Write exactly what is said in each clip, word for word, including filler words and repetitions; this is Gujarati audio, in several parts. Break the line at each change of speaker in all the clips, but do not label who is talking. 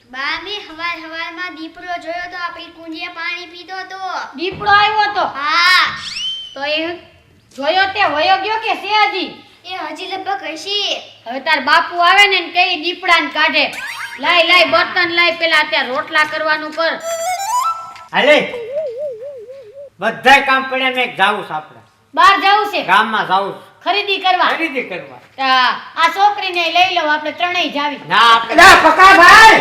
બામી હવાર હવારમાં દીપડો જોયો તો આપણી કુંડીએ પાણી પીતો તો.
દીપડો આવ્યો તો?
હા.
તો એ જોયો તે વયો ગયો કે છે હજી?
એ હજી લગભગ હશે.
હવે તાર બાપુ આવે ને ને કઈ દીપડાને કાઢે. લાય લાય બર્તન લાય, પેલા અત્યારે રોટલા કરવાનું કર.
હાલે બધાય કામ પડ્યા મેં જાવું છે આપણે.
બહાર જાવું છે?
ગામમાં જાવું છે.
ખરીદી કરવા?
ખરીદી કરવા.
આ આ છોકરીને લઈ લઉં, આપણે ત્રણેય જાવી.
ના આપણે
ના પકા ભાઈ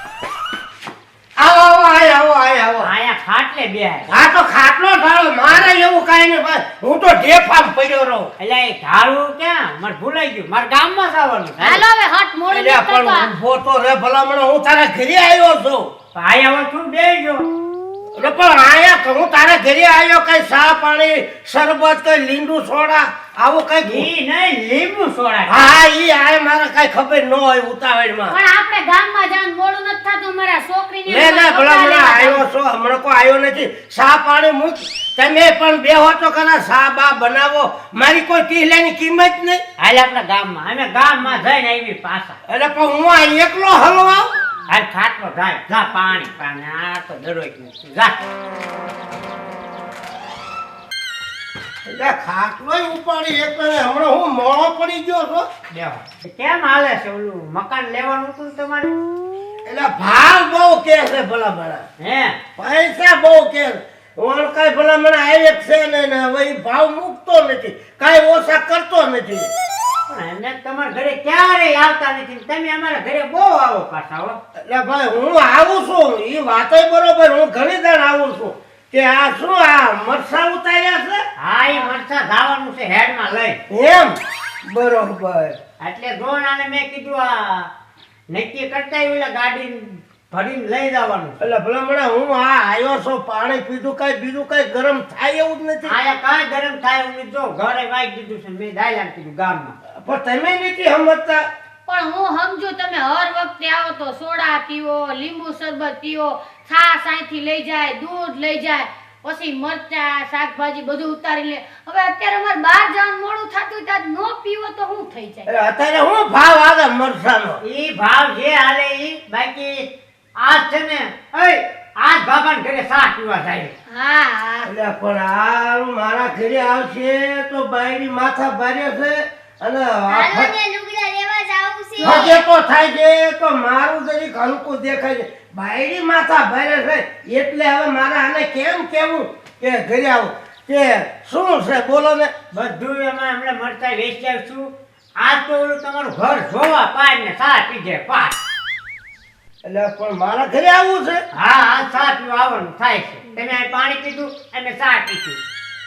આવો આવો આય આવો આય આવો
આયા ખાટલે બેહાય.
આ તો ખાટલો ઢાળો મારે એવું કાઈ નહીં ભાઈ, હું તો ઢેફામ પડ્યો રહું.
એટલે એ ઢાળું ક્યાં મારે ભૂલાઈ ગયું, મારે ગામમાં જવાનું છે.
હાલો હવે હટ મોડું
એટલે
ન
પણ
કરતા.
ઊભો તો રે ભલામણ, હું તારા ઘરે આવ્યો છું.
ભાઈ હવે તું બેસજો.
એટલે પણ આયા હું તારા ઘરે આવ્યો, કઈ ચા પાણી શરબત કઈ લીંબુ સોડા આવું કઈ
ઈ નહીં લીંબુ સોડા.
હા ઈ આય મારે કઈ ખબર ન હોય ઉતાવળમાં.
પણ આપણે ગામમાં જવાનું મોડું નથી થતું, મારા છોકરીને
લે લે ભલામણ આવ્યો છો, હમણાં કોઈ આવ્યો નથી. ચા પાણી મૂક, તમે પણ બેહો તો ખરા, ચા બા બનાવો, મારી કોઈ ટીલાની કિંમત નહીં.
હાલ આપણા ગામમાં અમે ગામમાં જઈને આવી પાછા.
એટલે પણ હું આ એકલો હલો આવ.
હાલ ખાટલો જાય જા પાણી પાણી આ તો દરરોજ નથી જા.
એટલે ખાટલોય ઉપાડી એક ને હમણાં હું મોળો પડી ગયો છો.
બેહો. કેમ હાલે છે ઓલું મકાન લેવાનું હતું ને તમારે?
એટલે ભાવ બહુ કે છે ભલામણ,
હે
પૈસા બહુ કે છે. હું કઈ ભલામણ આવે છે ને ને હવે ઈ ભાવ મૂકતો નથી, કઈ ઓછા કરતો નથી.
પણ એમને તમારા ઘરે ક્યારેય આવતા નથી ને તમે અમારા ઘરે બહુ આવો પાછા હો.
એટલે ભાઈ હું આવું છું, ઈ વાતય બરોબર, હું ઘણી દાણ આવું છું. કે આ શું આ મરસા ઉતાર્યા છે?
હા એ મરસા ધાવાનું છે હેડમાં લઈ.
એમ બરોબર.
એટલે ગોણાને મેં કીધું આ નક્કી કરતા ઓલા ગાડી ભરીને લઈ જવાનું છે.
એટલે ભલામણ હું આ આવ્યો છું, પાણી પીધું, કઈ બીજું કઈ ગરમ થાય એવું જ નથી.
આયા કાંઈ ગરમ થાય એવું નથી. જો ઘરે વાઈ દીધું છે મેં દાયલાને કીધું ગામમાં.
પણ તમે નથી સમજતા.
પણ હું સમજુ તમે હર વખતે આવો તો સોડા પીવો, લીંબુ શરબત પીવો, છાશ અહીંથી લઈ જાય, દૂધ લઈ જાય, પછી મરચા શાકભાજી બધું ઉતારી લે. હવે અત્યારે અમારે બહાર જવાનું મોડું થતું ત્યાં ન પીવો તો શું થઈ જાય?
એટલે અત્યારે હું ભાવ આવે મરસાનો?
ઈ ભાવ જે હાલે ઈ બાકી આજ છે ને ઓય આજ બાબાને ઘરે ચા પીવા જાય.
હા હા
એટલે પણ આ મારા ઘરે આવશે તો બાયડી માથા ભારે છે અને
હાલો ને લુગડા લેવા જાવું છે.
ફજેતો થાય છે તો મારું જરીક હલકું દેખાય છે. બાયડી માથા ભારે છે એટલે હવે મારે આને કેમ કેવું કે ઘરે આવું કે શું છે બોલો ને.
બધું એમાં હમણાં મરચા વેચી આવશું. આજ તો ઓલું તમારું ઘર જોવા પાય ને ચા પીજે પાય.
એટલે પણ મારા ઘરે આવવું છે?
હા હા ચા પીવા આવવાનું થાય છે. તમે અહીં પાણી પીધું અમે ચા પીશું.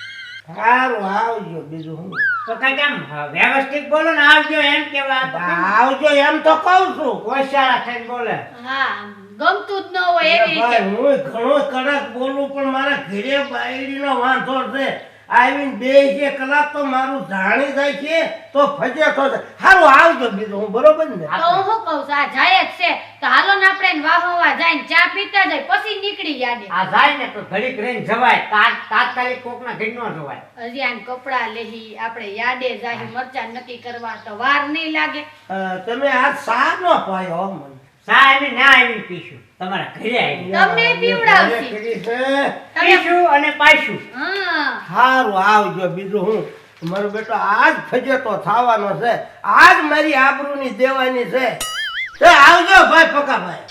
સારું આવજો, બીજું હું
તો કઈ કેમ વ્યવસ્થિત બોલો ને આવજો એમ કેવા.
આવજો એમ તો કહું છું.
હોશિયાર થઈને બોલે.
હા ગમતું જ ન હોય એવી
ભાઈ
રીતે.
હું ઘણો કડક બોલું પણ મારા ઘરે બાયડીનો વાંધો છે. આવીને બે છે કલાક તો મારું જાણી જાય છે તો ફજેતો છે. સારું આવજો, બીજું હું બરોબર ને.
તો હું શું કહું છું, આ જાય જ છે તો હાલો ને આપણે એને વાહોવા જઈને ચા પીતા જાય પછી નીકળી યાદે.
આ જાય ને તો ઘડીક રહીને જવાય. તા- તાત્કાલિક કોકના ઘર નો જવાય.
હજી આને કપડા લેહી, આપણે યાદે જાય, મરચા નક્કી કરવા તો વાર નહીં લાગે.
અ, તમે આ સા નો પાયો હો મને.
ચા અમે ના આવીને પીશું તમારા ઘરે આવી
તમને પીવડાવશે.
ઘરે કરી છે.
પીશું અને પાઈશું.
હા
સારું આવજો, બીજું હું મારો બેટો આજ ફજેતો થવાનો છે, આજ મારી આબરૂની દેવાની છે. તે આવજો ભાઈ પકાભાઈ.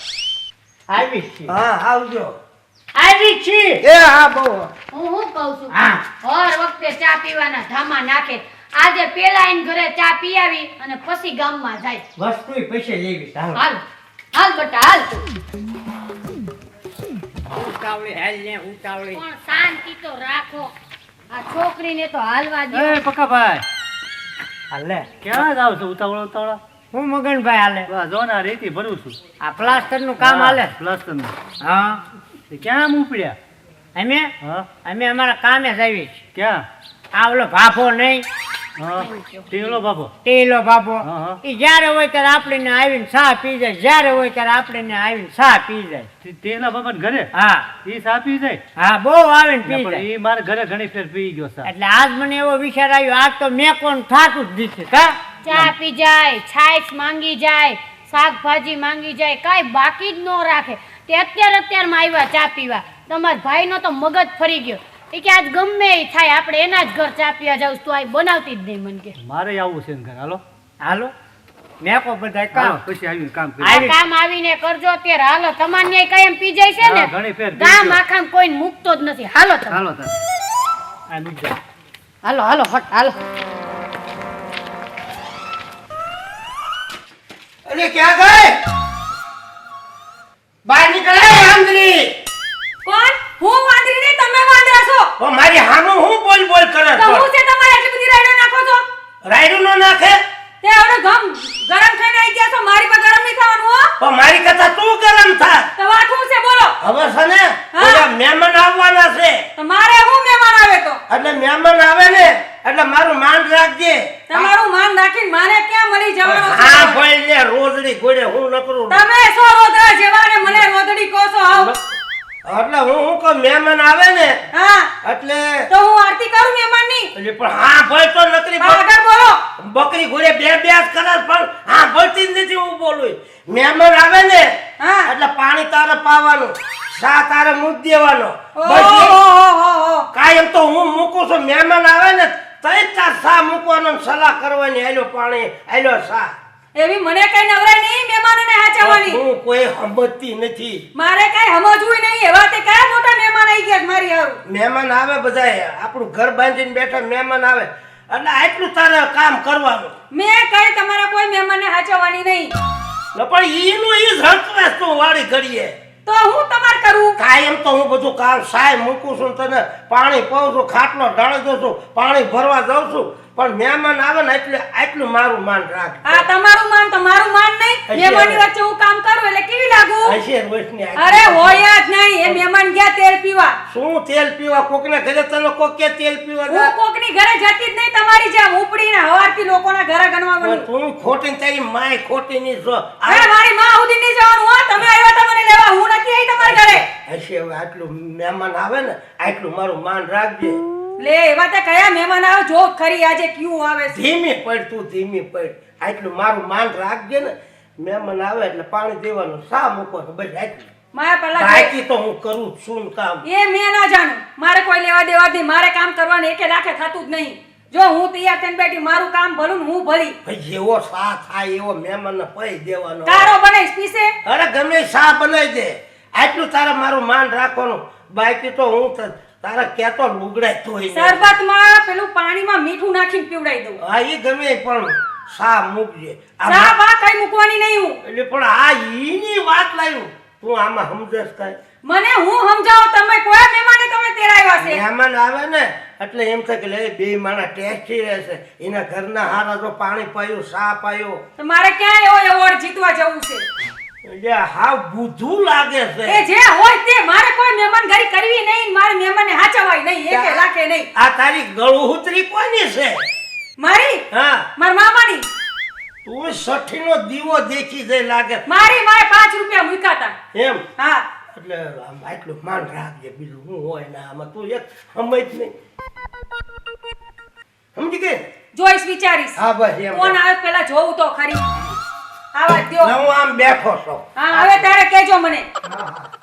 આવી છીએ
હા આવજો.
આવી છીએ
એ હા બહુ
હું શું કહું છું,
હા.
હર વખતે ચા પીવાના ધામા નાખે. આજે પેલા એને ઘરે ચા પી આવી અને પછી ગામમાં જાય.
વસ્તુ પૈસે લેવી ચાલો.
હાલ હાલ બેટા હાલ.
ઉતાવળી હાલ ને ઉતાવળી.
પણ શાંતિ તો રાખો, આ છોકરીને તો હાલવા દો.
એ પક્કાભાઈ
હાલે
ક્યાં જાવ છો ઉતાવળા ઉતાવળા?
હું મગનભાઈ હાલે.
બસ જો ને આ રેતી ભરું છું.
આ પ્લાસ્ટર નું કામ હાલે.
પ્લસ્ટર નું.
હા
તે ક્યાં આમ ઉપડ્યા?
અમે
હા
અમે અમારા કામે જ આવીએ છીએ.
ક્યાં?
આ ઓલો ભાભો નહીં
હા ટીલો બાપો.
ટેલો ભાભો
હા, હા.
ઈ જ્યારે હોય ત્યારે આપણે આવીને ચા પી જાય. જ્યારે હોય ત્યારે આપણે આવીને ચા પી જાય.
તે- તેલા બાપા ઘરે
હા
એ સાપી જાય
હા બહુ આવીને પી
પણ
જાય.
એ મારા ઘરે ઘણી ફેર પી ગયો સા.
એટલે આજ મને એવો વિચાર આવ્યો, આજ તો મેં કોણ થાતું જ દીધું કા.
ચા પી જાય, છાશ માંગી જાય, શાકભાજી માંગી જાય કાંઈ બાકી જ ન રાખે. તે અત્યારે અત્યારમાં આવ્યા ચા પીવા. તમારા ભાઈનો તો મગજ ફરી ગયો. એ કે આજ ગમે એ થાય આપણે એના જ ઘર ચા પીવા જાવ તો આ બનાવતી જ નહીં. મને કે
મારે આવવું છે ને ઘર. હાલો
હાલો મેકો બધા
હાલો
કામ
પછી આવીને કામ
આ
કરી.
કામ આવીને કરજો અત્યારે. હાલો તમારે ન્યાય કાયમ પી જાય છે
હા, ઘણી
ને
ફેર પી
ગામ
ગયો.
આખામ કોઈને મૂકતો જ નથી. હાલો તમે
હાલો તમે આ નીકળ.
હાલો હાલો હટ હાલો.
અરે ક્યાં ગઈ? બહાર નીકળે આંધળી.
કોણ? હું વાંદરી નહીં, તમે વાંદરા છો.
ઓ મારી હામું હું બોલ બોલ કરે
તો
છો?
હું છે તમારે એટલી બધી રાઈડો નાખો છો?
રાયડું નો નાખે
તે હવે ગમ ગરમ થઈને આવી ગયા છો, મારી પર ગરમ નહીં થવાનું હો.
પણ મારી કરતા તું ગરમ થા.
તો વાત શું છે બોલો?
હવે છે ને
હા.
ઓલા મહેમાન આવવાના છે
તો મારે હું મહેમાન આવે તો
એટલે મહેમાન આવે ને એટલે મારું માન રાખજે.
તમારું માન રાખીને મારે ક્યાં મળી જવાનું છે?
હા ભાઈ ને રોજડી ગોળે હું ન કરું
તમે સો રોદરા જેવા ને મને રોદડી કહો છો આવ.
એટલે હું હું કહું મહેમાન આવે ને
હા
એટલે
તો હું આરતી કરું મહેમાનની.
એટલે પણ હા ભાઈ તો નકરી
પણ
બક-
આગળ બોલો.
બકરી ઘોડે બે બે જ કરે પણ હા ભરતી જ નથી હું બોલું. મહેમાન આવે ને
હા.
એટલે પાણી તારે પાવાનું, ચા તારે મૂક દેવાનો.
ઓહો
બસ
ઓહો ઓહો.
કાયમ તો હું મૂકું છું. મહેમાન આવે ને તઈ તાર ચા મૂકવાનો ને સલાહ કરવાની. આલ્યો પાણી આલ્યો ચા.
એવી મને કઈ નવરાય નહીં મહેમાનોને હાચવવાની.
હું કોઈ સમજતી નથી.
મારે કઈ સમજવું નહીં. એવા તે કયા મોટા મહેમાન આવી ગયા છે મારી હારું.
મહેમાન આવે બધાય આપણું ઘર બાંધીને બેઠા મહેમાન આવે એટલે આટલું તારે કામ કરવાનું.
મેં કઈ તમારા કોઈ મહેમાનને હાચવવાની નહીં.
ન પણ ઈનું ઈ જ હકવાસ તું વાળી ઘડીએ.
તો હું તમાર કરું.
કાયમ તો હું બધું કામ સાય મૂકું છું, તને પાણી પાઉં છું, ખાટલો ઢાળી દઉં છું, પાણી ભરવા જાઉં છું, પણ મહેમાન આવે ને એટલે આટલું મારું માન રાખ.
આ તમારું માન તમારું માન નહીં.
હશે.
મહેમાનની વચ્ચે હું કામ કરું એટલે કેવી લાગુ?
હશે રોશની આખી.
અરે હોય જ નહીં. એ મહેમાન ગયા તેલ પીવા.
શું તેલ પીવા? કોકના ઘરે તને કોક કે તેલ પીવા
હું
જાય?
કોકની ઘરે જતી જ નહીં તમારી જેમ ઉપડીને હવારથી લોકોના ઘરે ગણવા
પણ
માંડું.
તું ખોટી ને તારી માય ખોટી ની છો.
અરે મારી માં સુધી નહીં જવાનું હો. તમે આવ્યા તા મને લેવા, હું નથી આવી તમારા ઘરે.
હશે હવે આટલું મહેમાન આવે ને આટલું મારું માન રાખજે.
લે એવા તે કયા મહેમાન આવે જો ખરી આજે ક્યું આવે છે.
ધીમી પડ તું ધીમી પડ. આટલું મારું માન રાખજે ને. મહેમાન આવે એટલે પાણી દેવાનું, સા મૂકવાનું, બસ આટલું.
મારા પહેલા
બાકી તો હું કરું જ છું ને કામ.
એ મેં ના જાણું. મારે કોઈ લેવા દેવા જ નહીં. મારે કામ કરવાનું એકે લાખે થતું જ નહીં. જો હું તૈયાર થઈને બેઠી મારું કામ ભલું ને હું ભલી.
ભાઈ જેવો સા થાય એવો મહેમાનને પૈ દેવાનો.
કારો બનાવીશ પીસે.
અરે ગમે સા બનાવી દે. આટલું તારે મારું માન રાખવાનું. બાકી તો હું ત- તારા કેતો લુગડાય ધોઈ નાખ.
શરબતમાં પેલું પાણીમાં મીઠું નાખીને પીવડાવી દઉં.
હા ઈ ગમે પણ સા મૂકજે. આ
ચા બા કઈ મૂકવાની નહીં હું.
એટલે પણ આ ઈની વાત લાવ્યું તું આમાં સમજસ કાંઈ?
મને હું સમજાવો તમે કોઈ મહેમાને તમે તેરાવ્યા છે.
મહેમાન આવે ને એટલે એમ થાય કે લે બે માણા ટેસ્ટી રહેશે. એના ઘરના હારા જો પાણી પાયું, સા પાયો,
તો મારે ક્યાં એવો એવોર્ડ જીતવા જવું છે.
એટલે હાવ બુધું લાગે છે.
એ જે હોય તે મારે કોઈ મહેમાન ગરી કરવી નહીં. મારે મહેમાનને હાચવાય નહીં એકે લાખે નહીં.
આ તારી ગળુહુતરી કોની છે?
મારી
હા
મારા મામાની.
તું સઠીનો દીવો દેખી જાય લાગે.
મારી મારે પાંચ રૂપિયા મૂક્યા હતા.
એમ
હા
એટલે આમ આટલું માન રાખજે. બીજું હું હોય ને આમાં તું એક સમજ નહીં. સમજી ગઈ?
જોઈશ વિચારીશ.
હા બસ એમ.
કોણ આવે પેલા જોઉં તો ખરી. આવા દ્યો.
હું આમ બેઠો છું.
હા હવે તારે કેજો મને.
હા હા